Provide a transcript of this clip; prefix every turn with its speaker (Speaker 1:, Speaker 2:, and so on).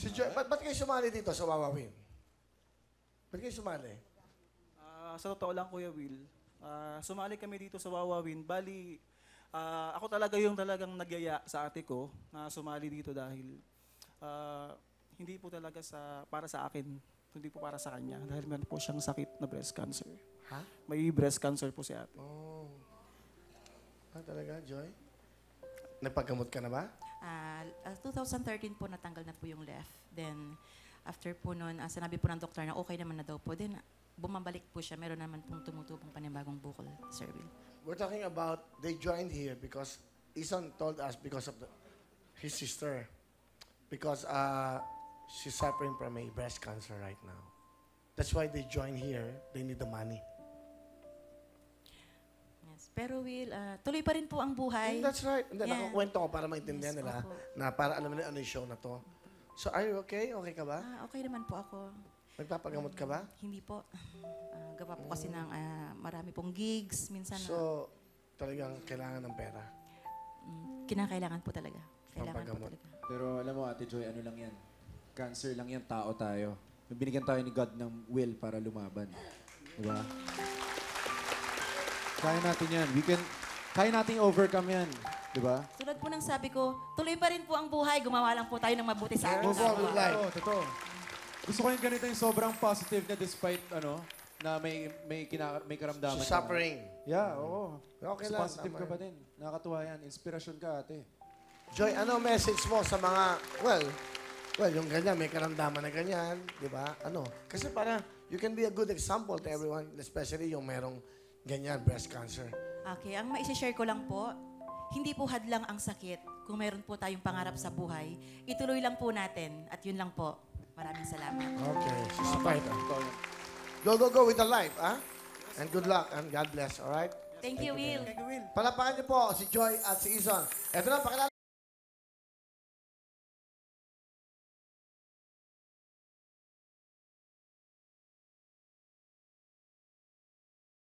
Speaker 1: Si Joy, ba't kayo sumali dito sa Wawawin? Ba't kayo sumali?
Speaker 2: Sa totoo lang, Kuya Will, sumali kami dito sa Wawawin. Bali, ako talaga yung talagang nagyaya sa ate ko na sumali dito dahil hindi po talaga para sa akin, hindi po para sa kanya. Dahil meron po siyang sakit na breast cancer.
Speaker 1: Ha?
Speaker 2: May breast cancer po si ate.
Speaker 1: Oh. Talaga, Joy? Nagpagamot ka na ba?
Speaker 3: 2013 po natanggal na po yung left. Then, after po nun, sinabi po ng doktor na okay naman na daw po. Then, bumabalik po siya. Meron naman pong tumutubong panibagong bukol, Sir Will.
Speaker 1: We're talking about, they joined here because Isan told us because of his sister. Because she's suffering from a breast cancer right now. That's why they joined here. They need the money.
Speaker 3: Yes. Pero Will, tuloy pa rin po ang buhay.
Speaker 1: That's right. And then,
Speaker 3: Yeah.
Speaker 1: nakakwento ko para maintindihan
Speaker 3: Yes,
Speaker 1: nila
Speaker 3: opo.
Speaker 1: na para alam nila ano yung show na to. So, are you okay? Okay ka ba?
Speaker 3: Okay naman po ako.
Speaker 1: Nagpapagamot ka ba?
Speaker 3: Hindi po. Gawa po kasi ng marami pong gigs. Minsan
Speaker 1: So, talagang kailangan ng pera.
Speaker 3: kinakailangan po talaga. Kailangan po
Speaker 1: Pampagamot.
Speaker 3: talaga.
Speaker 4: Pero alam mo, Ate Joy, ano lang yan? Cancer lang yan, tao tayo. Binigyan tayo ni God ng will para lumaban. Diba? Kaya natin yan. Kaya natin overcome yan. Diba?
Speaker 3: Tulad po ng sabi ko, tuloy pa rin po ang buhay. Gumawa lang po tayo ng mabuti sa ating
Speaker 1: Move on with
Speaker 3: kapwa.
Speaker 1: life.
Speaker 4: Totoo. Gusto ko yung ganito yung sobrang positive na despite na may karamdaman.
Speaker 1: She's
Speaker 4: ka.
Speaker 1: suffering.
Speaker 4: Yeah, oo.
Speaker 1: Okay
Speaker 4: Mas
Speaker 1: lang,
Speaker 4: positive
Speaker 1: tama
Speaker 4: ka
Speaker 1: yan.
Speaker 4: pa din. Nakakatuwa yan. Inspirasyon ka, ate.
Speaker 1: Joy, ano message mo sa mga, well, yung ganyan, may karamdaman na ganyan, di ba? Ano? Kasi para, you can be a good example to everyone, especially yung merong ganyan, breast cancer.
Speaker 3: Okay, ang maisishare ko lang po, hindi po hadlang ang sakit. Kung meron po tayong pangarap sa buhay, ituloy lang po natin. At yun lang po. Maraming salamat.
Speaker 1: Okay, she's right.
Speaker 4: Totoo yan.
Speaker 1: Go with the life, ah? And good luck, and God bless, all right?
Speaker 3: Thank you, Will.
Speaker 2: Thank you, Will.
Speaker 1: Palapakan niyo po si Joy at si Izon. Ito na, pakilala.